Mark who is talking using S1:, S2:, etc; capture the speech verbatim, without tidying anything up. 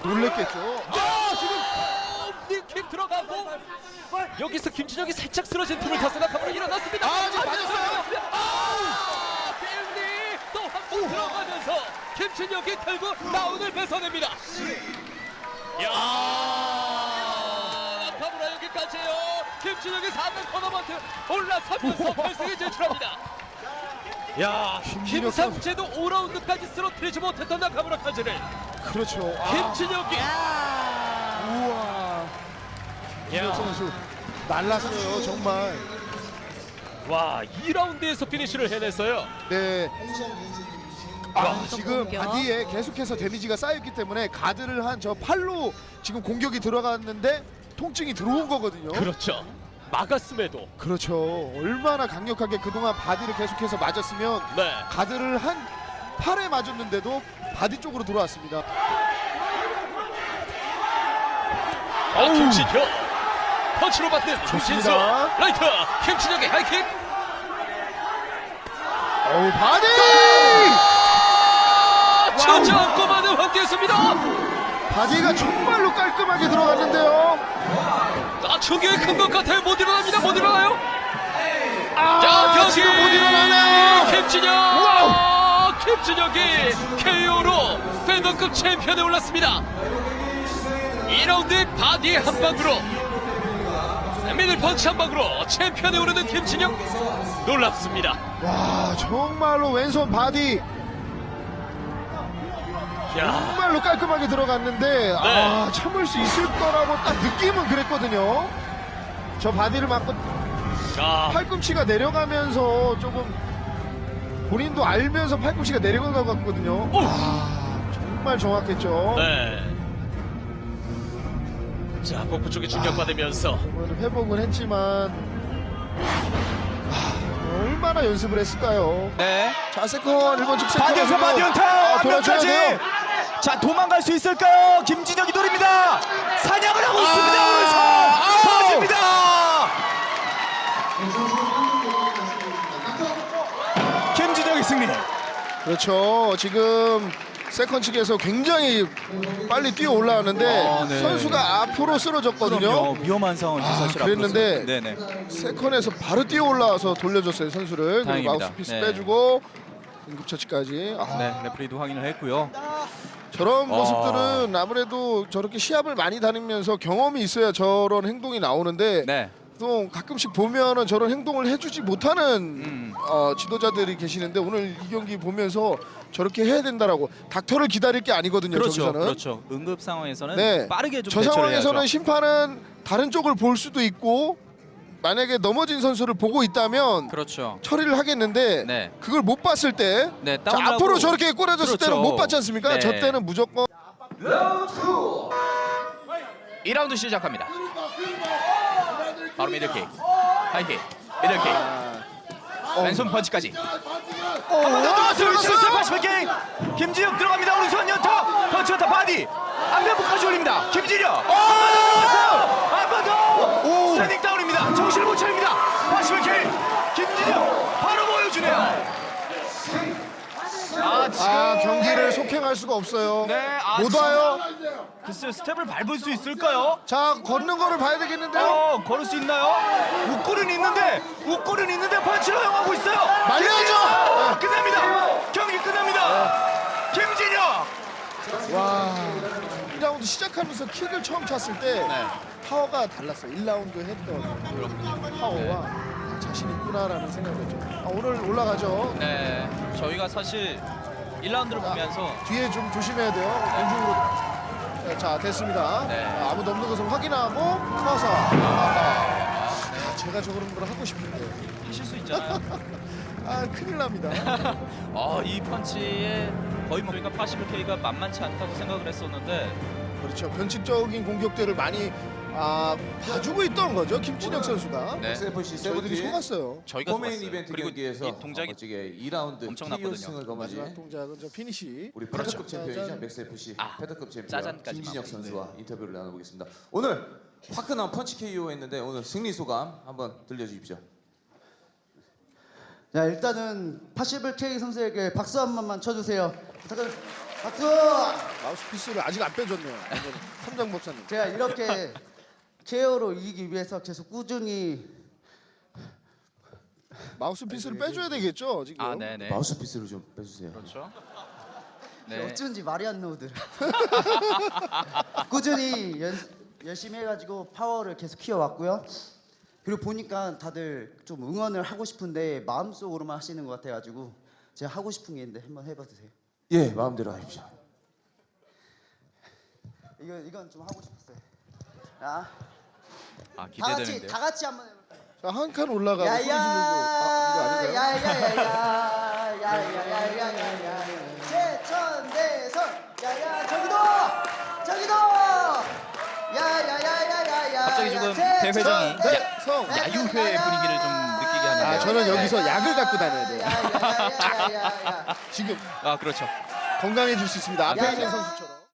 S1: 놀랬겠죠.
S2: 아 지금 닉킥 들어가고 여기서 김진혁이 살짝 쓰러진 틈을 타서 나카무라 일어났습니다.
S1: 아, 지금 맞았어요.
S2: 아, 빌리 또 한 번 들어가면서 김진혁이 결국 라운을 뺏어냅니다. 야, 나카무라 여기까지요. 김진혁이 사 등 토너먼트 올라서면서 결승에 진출합니다. 야,
S1: 김진혁 선수.
S2: 김상재도 오 라운드까지 쓰러뜨리지 못했던 나카무라까지를
S1: 그렇죠. 아,
S2: 김진혁이
S1: 우와. 김진혁 선수 날랐어요 정말.
S2: 와, 이 라운드에서 피니쉬를 해냈어요.
S1: 네. 아,
S3: 와,
S1: 지금
S3: 공격.
S1: 바디에 계속해서 데미지가 쌓였기 때문에 가드를 한 저 팔로 지금 공격이 들어갔는데 통증이 들어온 거거든요.
S2: 그렇죠. 막았음에도
S1: 그렇죠. 얼마나 강력하게 그동안 바디를 계속해서 맞았으면
S2: 네.
S1: 가드를 한 팔에 맞았는데도 바디 쪽으로 들어왔습니다.
S2: 아, 김진혁 펀치로 받는 조진수
S1: 좋습니다.
S2: 라이트 김진혁의 하이킥.
S1: 어우, 바디!
S2: 천장 꼬마는 황기했습니다.
S1: 바디가 정말로 깔끔하게 들어갔는데요.
S2: 아, 충격이 큰 것 같아요. 못 일어납니다. 못 일어나요.
S1: 아,
S2: 자, 경기
S1: 지금 못 일어나네요.
S2: 김진혁.
S1: 와우.
S2: 김진혁이 케이오로 팬덤급 챔피언에 올랐습니다. 이 라운드 바디 한 방으로 미들 펀치 한 방으로 챔피언에 오르는 김진혁 놀랍습니다.
S1: 와, 정말로 왼손 바디
S2: 야,
S1: 정말로 깔끔하게 들어갔는데 아, 참을 수 있을 거라고 딱 느낌은 그랬거든요. 저 바디를 맞고
S2: 자,
S1: 팔꿈치가 내려가면서 조금 본인도 알면서 팔꿈치가 내려간 것 같거든요.
S2: 오.
S1: 아, 정말 정확했죠.
S2: 네. 자, 복부 쪽에 충격받으면서
S1: 오늘 회복은 했지만 아, 얼마나 연습을 했을까요?
S4: 네.
S1: 자, 세컨 일 번 직 세컨
S4: 바디에서 바디 연타
S1: 아,
S4: 한
S1: 돌아줘야
S4: 명까지.
S1: 돼요.
S4: 자, 도망갈 수 있을까요? 김진혁이 노립니다. 사냥을 하고 있습니다.
S1: 아,
S4: 오른손
S1: 아우.
S4: 터집니다. 김진혁의 승리.
S1: 그렇죠. 지금 세컨 측에서 굉장히 빨리 뛰어 올라왔는데
S4: 아, 네.
S1: 선수가 앞으로 쓰러졌거든요.
S4: 그럼요. 위험한 상황이
S1: 아,
S4: 사실
S1: 그랬는데
S4: 앞으로 쓰- 네네.
S1: 세컨에서 바로 뛰어 올라와서 돌려줬어요 선수를. 그리고
S4: 다행입니다.
S1: 마우스피스
S4: 네.
S1: 빼주고 응급처치까지. 아,
S4: 네, 레프리도 확인을 했고요.
S1: 저런
S4: 아.
S1: 모습들은 아무래도 저렇게 시합을 많이 다니면서 경험이 있어야 저런 행동이 나오는데
S4: 네.
S1: 또 가끔씩 보면은 저런 행동을 해주지 못하는
S4: 음.
S1: 어, 지도자들이 계시는데 오늘 이 경기 보면서 저렇게 해야 된다라고 닥터를 기다릴 게 아니거든요.
S4: 그렇죠.
S1: 저기서는.
S4: 그렇죠. 응급 상황에서는
S1: 네.
S4: 빠르게 좀
S1: 저
S4: 대처를
S1: 상황에서는
S4: 해야죠.
S1: 심판은 다른 쪽을 볼 수도 있고 만약에 넘어진 선수를 보고 있다면
S4: 그렇죠.
S1: 처리를 하겠는데
S4: 네.
S1: 그걸 못 봤을 때
S4: 네,
S1: 자,
S4: 다운을
S1: 앞으로
S4: 하고.
S1: 저렇게 꼬라졌을
S4: 그렇죠.
S1: 때는 못 봤지 않습니까?
S4: 네.
S1: 저 때는 무조건
S4: 이 라운드 시작합니다. 바로 미들킥, 하이킥, 미들킥, 왼손 펀치까지.
S1: 어, 와, 들어갔어요!
S4: 팔십팔 개 김진혁 들어갑니다. 오른손 연타, 펀치 연타 바디. 안면부까지 올립니다. 김진혁. 한번 더.
S1: 오.
S4: 스탠딩 다운입니다. 정신을 못 차립니다. 팔십팔 개 김진혁 바로 보여주네요. 아, 지금
S1: 아, 경기를 속행할 수가 없어요.
S4: 네, 아,
S1: 못
S4: 지금-
S1: 와요.
S4: 글쎄 스텝을 밟을 수 있을까요?
S1: 자, 걷는 거를 봐야 되겠는데요.
S4: 어, 걸을 수 있나요? 웃골은 있는데, 웃골은 있는데 펀치로 허용하고 있어요.
S1: 말려야죠.
S4: 김진혁! 끝납니다. 경기 끝납니다. 김진혁.
S1: 와, 이 라운드 시작하면서 킥을 처음 찼을 때
S4: 네.
S1: 파워가 달랐어요. 일 라운드 했던 파워와 아, 자신 있구나라는 생각이 들죠. 아, 오늘 올라가죠.
S4: 네, 저희가 사실 일 라운드를 보면서
S1: 뒤에 좀 조심해야 돼요. 공중으로. 네, 자, 됐습니다.
S4: 네.
S1: 아, 아무도 없는 것을 확인하고 커서. 아, 아, 제가 저런 걸 하고 싶은데.
S4: 하실 수 있잖아요.
S1: 아, 큰일 납니다.
S4: 어, 이 펀치에 거의 뭐 그러니까 팔십일 케이가 만만치 않다고 생각을 했었는데
S1: 그렇죠. 변칙적인 공격들을 많이 아, 봐주고 있던 거죠. 김진혁 선수가.
S4: 네.
S5: 엑스에프씨
S1: 저희들이
S5: 세븐틴
S1: 속았어요.
S4: 저희가
S5: 코메인
S4: 좋았어요.
S5: 이벤트
S4: 그리고
S5: 경기에서
S4: 이 동작이
S5: 멋지게 이 라운드
S4: 엄청났거든요.
S5: 케이오 승을 거머쥔
S1: 마지막 동작은 저 피니시.
S5: 우리
S4: 그렇죠.
S5: 패드급 챔피언이자
S1: 짜잔.
S5: 맥스에프씨
S4: 아,
S5: 패드급 챔피언
S4: 짜잔까지만.
S5: 김진혁 선수와 인터뷰를 나눠보겠습니다. 오늘 화끈한 펀치 케이오 했는데 오늘 승리 소감 한번 들려주십시오.
S6: 자, 일단은 팔십일 케이 선수에게 박수 한 번만 쳐주세요. 부탁드립니다.
S3: 박수!
S1: 마우스피스를 아직 안 빼줬네요. 삼장 법사님.
S3: 제가 이렇게 케어로 이기기 위해서 계속 꾸준히
S1: 마우스피스를 빼줘야 되겠죠 지금.
S2: 아, 네네.
S5: 마우스피스를 좀 빼주세요.
S2: 그렇죠. 네.
S3: 어쩐지 말이 안 나오더라. 꾸준히 연, 열심히 해가지고 파워를 계속 키워왔고요. 그리고 보니까 다들 좀 응원을 하고 싶은데 마음속으로만 하시는 것 같아가지고 제가 하고 싶은 게 있는데 한번 해봐도 돼요?
S5: 예, 마음대로 하십시오.
S3: 이건 이건 좀 하고 싶었어요. 자,
S2: 아,
S3: 다 같이
S2: 기대되는데요.
S3: 다 같이 한번 해볼까요?
S1: 자, 한 칸 올라가고 소리 지르고. 아, 이거 아닌가요?
S3: 야야야야야야야야야야야야 제천대선 야야 저기도 저기도 야야야야야야
S4: 갑자기 지금 대회장이
S1: 성.
S4: 야유회 분위기를 좀 느끼게 하는데요.
S1: 아, 저는 여기서 약을 갖고 다녀야 돼요.
S3: 야야야야야야
S1: 지금
S2: 아, 그렇죠.
S1: 건강해질 수 있습니다. 앞에
S3: 야,
S1: 있는
S3: 야.
S1: 선수처럼.